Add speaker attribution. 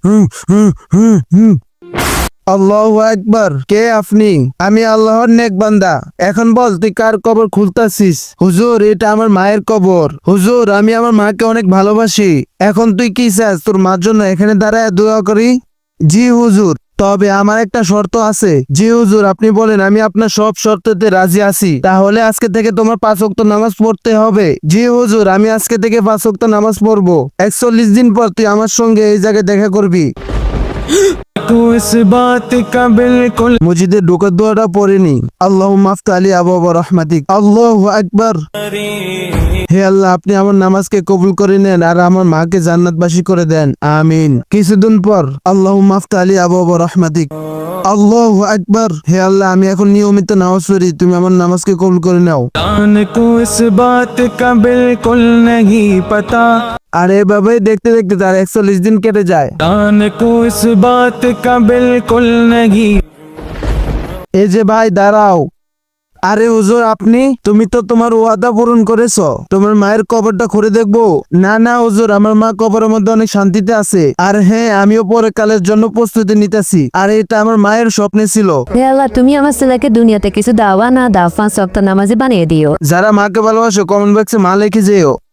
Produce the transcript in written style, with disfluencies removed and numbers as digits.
Speaker 1: আল্লাহু আকবার। কে আপনি? আমি আল্লাহর নেক বান্দা। এখন বল তুই কার কবর খুলতাছিস? হুজুর, এটা আমার মায়ের কবর। হুজুর, আমি আমার মাকে অনেক ভালোবাসি। এখন তুই কি চাস তোর মার জন্য এখানে দাঁড়ায় দোয়া করি? জি হুজুর, তবে আমার একটা শর্ত আছে। জি হুজুর, আপনি বলেন, আমি আপনার সব শর্ততে রাজি আছি। তাহলে আজকে থেকে তোমার 5 ওয়াক্ত নামাজ পড়তে হবে। জি হুজুর, আমি আজকে থেকে 5 ওয়াক্ত নামাজ পড়বো। 41 দিন পর তুই আমার সঙ্গে এই জায়গায় দেখা করবি। মসজিদে ঢোকার দোয়াটা পড়েনি। আল্লাহুম্মা আফতালি আবওয়াবা রাহমাতিক। আল্লাহু আকবার। হে আল্লাহ, আপনি আমার নামাজকে কবুল করে নেন আর আমার মাকে জান্নাতবাসী করে দেন, আমিন। কিছুদিন পর আল্লাহুম্মা আফতালি আবওয়াবা রাহমাতিক। আল্লাহু আকবার। হে আল্লাহ, আমি এখন নিয়মিত নামাজ পড়ি, তুমি আমার নামাজকে কবুল করে নাও। আর এভাবেই দেখতে দেখতে তার 41 দিন কেটে যায়। এই যে ভাই, দাঁড়াও। আরে হুজুর, আপনি? তুমি তো তোমার ওয়াদা পূরণ করেছো, তোমার মায়ের কবরটা খুঁড়ে দেখবো? না না হুজুর, আমার মা কবরের মধ্যে অনেক শান্তিতে আছে। আর হ্যাঁ, আমিও পরে কালের জন্য প্রস্তুতি নিতেছি। আর এটা আমার মায়ের স্বপ্নে ছিল।
Speaker 2: হে আল্লাহ, তুমি আমার ছেলেকে দুনিয়াতে কিছু দাওয়া না দাও, 5 ওয়াক্ত নামাজি বানিয়ে দিও।
Speaker 1: যারা মাকে ভালোবাসো কমেন্ট বক্সে মা লিখে যেও।